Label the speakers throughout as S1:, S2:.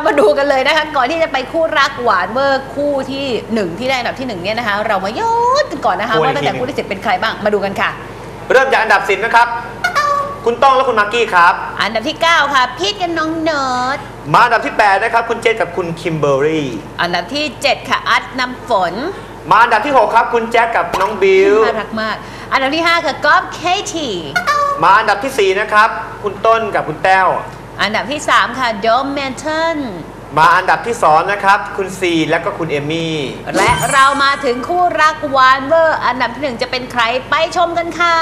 S1: มาดูกันเลยนะคะก่อนที่จะไปคู่รักหวานเวอร์คู่ที่1ที่ได้อันดับที่1เนี่ยนะคะเรามาย้อนกันก่อนนะคะว่าตั้งแต่คู่ที่10เป็นใครบ้างมาดูกันค่ะ
S2: เริ่มจากอันดับ10นะครับคุณต้องและคุณมากกี้ครับ
S1: อันดับที่9ค่ะพีทกับน้องเนิร์ด
S2: มาอันดับที่8นะครับคุณเจษกับคุณคิมเบอร์รี่
S1: อันดับที่7ค่ะอัดน้ำฝน
S2: มาอันดับที่6ครับคุณแจ็คกับน้องบิว
S1: น่ารักมากอันดับที่5ค่ะก๊อฟเคที
S2: มาอันดับที่4นะครับคุณต้นกับคุณแต้ว
S1: อันดับที่3ค่ะโดมแมนเทน
S2: มาอันดับที่2นะครับคุณซีและก็คุณเอมี่
S1: และเรามาถึงคู่รักหวานเวอร์อันดับที่1จะเป็นใครไปชมกันค่ะ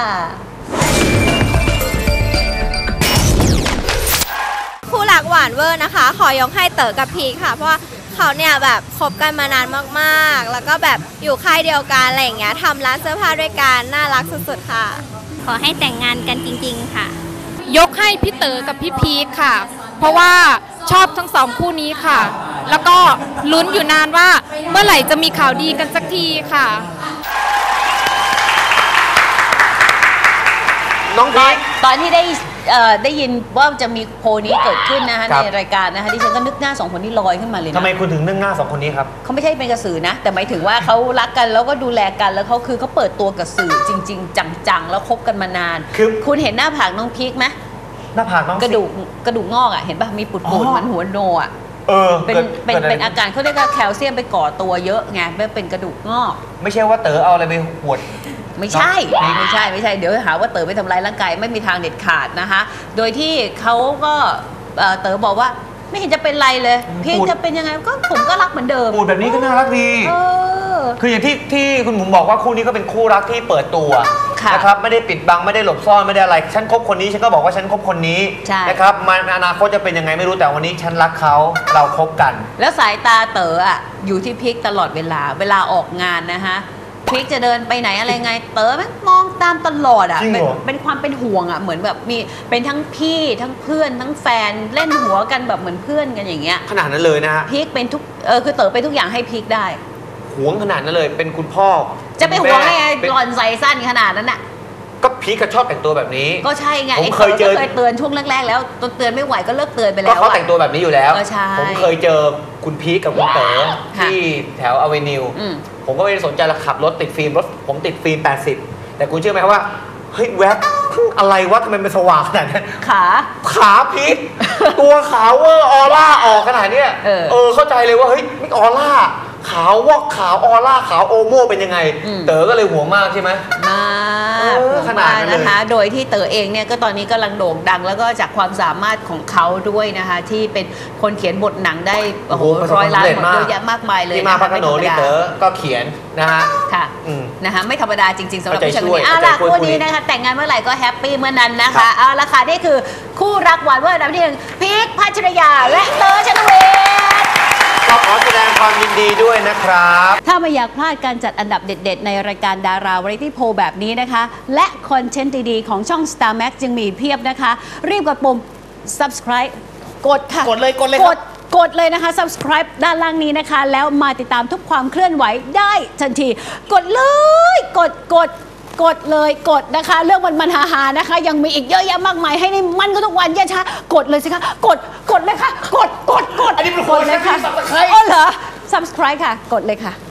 S3: คู่รักหวานเวอร์นะคะขอยกให้เต๋อกับพีคค่ะเพราะว่าเขาเนี่ยแบบคบกันมานานมากๆแล้วก็แบบอยู่ค่ายเดียวกันอะไรอย่างเงี้ยทำร้านเสื้อผ้าด้วยกันน่ารักสุดๆค่ะ
S4: ขอให้แต่งงานกันจริงๆค่ะ
S5: ยกให้พี่เต๋อกับพี่พีคค่ะเพราะว่าชอบทั้ง2คู่นี้ค่ะแล้วก็ลุ้นอยู่นานว่าเมื่อไหร่จะมีข่าวดีกันสักทีค่ะ
S2: น้องพีค
S1: ตอนที่ได้ยินว่าจะมีโพลนี้เกิดขึ้นนะคะในรายการนะคะดิฉันก็นึกหน้า2คนนี้ลอยขึ้นมาเลยนะ
S2: ทำไมคุณถึงนึกหน้า2คนนี้ครับ
S1: เขาไม่ใช่เป็นกระสือนะแต่หมายถึงว่าเขารักกันแล้วก็ดูแลกันแล้วเขาเปิดตัวกับสื่อจริงๆจังๆแล้วคบกันมานานคุณเห็นหน้าผากน้องพีคไหม
S2: หน้าผากน้อง
S1: กระดูกงอกอ่ะเห็นป่ะมีปุดๆเหมือนหัวโนอ่ะเป็นอาการเขาเรียกว่าแคลเซียมไปก่อตัวเยอะไงเป็นกระดูกงอก
S2: ไม่ใช่ว่าเต๋อเอาอะไรไปหวด
S1: ไม่ใช่เดี๋ยวหาว่าเต๋อไปทำร้ายร่างกายไม่มีทางเด็ดขาดนะคะโดยที่เขาก็เต๋อบอกว่าไม่เห็นจะเป็นไรเลยพีคจะเป็นยังไงก็ผมก็รักเหมือนเดิม
S2: พูดแบบนี้ก็น่ารักดีคืออย่างที่คุณหมูบอกว่าคู่นี้ก็เป็นคู่รักที่เปิดตัวนะครับไม่ได้ปิดบังไม่ได้หลบซ่อนไม่ได้อะไรฉันคบคนนี้ฉันก็บอกว่าฉันคบคนนี้นะครับมันอนาคตจะเป็นยังไงไม่รู้แต่วันนี้ฉันรักเขาเราคบกัน
S1: แล้วสายตาเต๋ออยู่ที่พีคตลอดเวลาออกงานนะคะพีคจะเดินไปไหนอะไรไงเต๋อมันมองตามตลอดเป็นความเป็นห่วงเหมือนแบบมีเป็นทั้งพี่ทั้งเพื่อนทั้งแฟนเล่นหัวกันแบบเหมือนเพื่อนกันอย่างเงี้ย
S2: ขนาดนั้นเลยนะฮะ
S1: พีคเป็นทุกคือเต๋อเป็นทุกอย่างให้พีคได้
S2: ห่วงขนาดนั้นเลยเป็นคุณพ่อ
S1: จะไปห่วงให้หล่อนใส่สั้นขนาดนั้นน่ะ
S2: ก็พีคก็ชอบแต่งตัวแบบนี้
S1: ก็ใช่ไง
S2: ผมเคยเ
S1: ตือนช่วงแรกๆแล้วเตือนไม่ไหวก็เลิกเตือนไปแล้ว
S2: ก็เขาแต่งตัวแบบนี้อยู่แล้วผมเคยเจอคุณพีคกับคุณเต๋อที่แถวอเวนิวผมก็ไม่ได้สนใจละขับรถติดฟิล์มรถผมติดฟิล์ม80แต่คุณเชื่อไหมว่าเฮ้ยแวบอะไรวะทำไมมันสว่างขนาดนั้นขาพีคตัวขาวเวอร์ออร่าออกขนาดเนี้ยเข้าใจเลยว่าเฮ้ยไม่ออร่าขาววอกขาวออร่าขาวโอโม่เป็นยังไงเต๋อก็เลยห่วงมากใช่ไหม
S1: มากขนาดนะคะโดยที่เต๋อเองเนี่ยก็ตอนนี้กำลังโด่งดังแล้วก็จากความสามารถของเขาด้วยนะคะที่เป็นคนเขียนบทหนังได้โอ้โห100 ล้านบทเยอะแยะมากมายเลย
S2: ที่มาพักโนนี่เต๋อก็เขียนนะฮะ
S1: ค่ะนะคะไม่ธรรมดาจริงๆสำหรับผู้ชายคนนี้คู่นี้นะคะแต่งงานเมื่อไหร่ก็แฮปปี้เมื่อนั้นนะคะเอาละค่ะนี่คือคู่รักหวานเวอร์อันดับที่1พีคพัชรยาและเต๋อชนเวช
S2: ก็ขอแสดงความยินดีด้วยนะครับ
S1: ถ้าไม่อยากพลาดการจัดอันดับเด็ดๆในรายการดาราวาไรตี้โพลแบบนี้นะคะและคอนเทนต์ดีๆของช่อง Star Max ยังมีเพียบนะคะรีบกดปุ่ม subscribe กดค่ะ
S2: กดเลย
S1: เลยนะคะ subscribe ด้านล่างนี้นะคะแล้วมาติดตามทุกความเคลื่อนไหวได้ทันทีกดเลยกดเลยกดนะคะเรื่องมันฮาๆนะคะยังมีอีกเยอะแยะมากมายให้ในมันก็ทุกวันอย่าช้ากดเลยสิคะกดเลยค่ะกด
S2: อันนี้เป็นคน
S1: เลยค่ะ
S2: subscribe
S1: อ๋อเหรอ subscribe ค่ะกดเลยค่ะ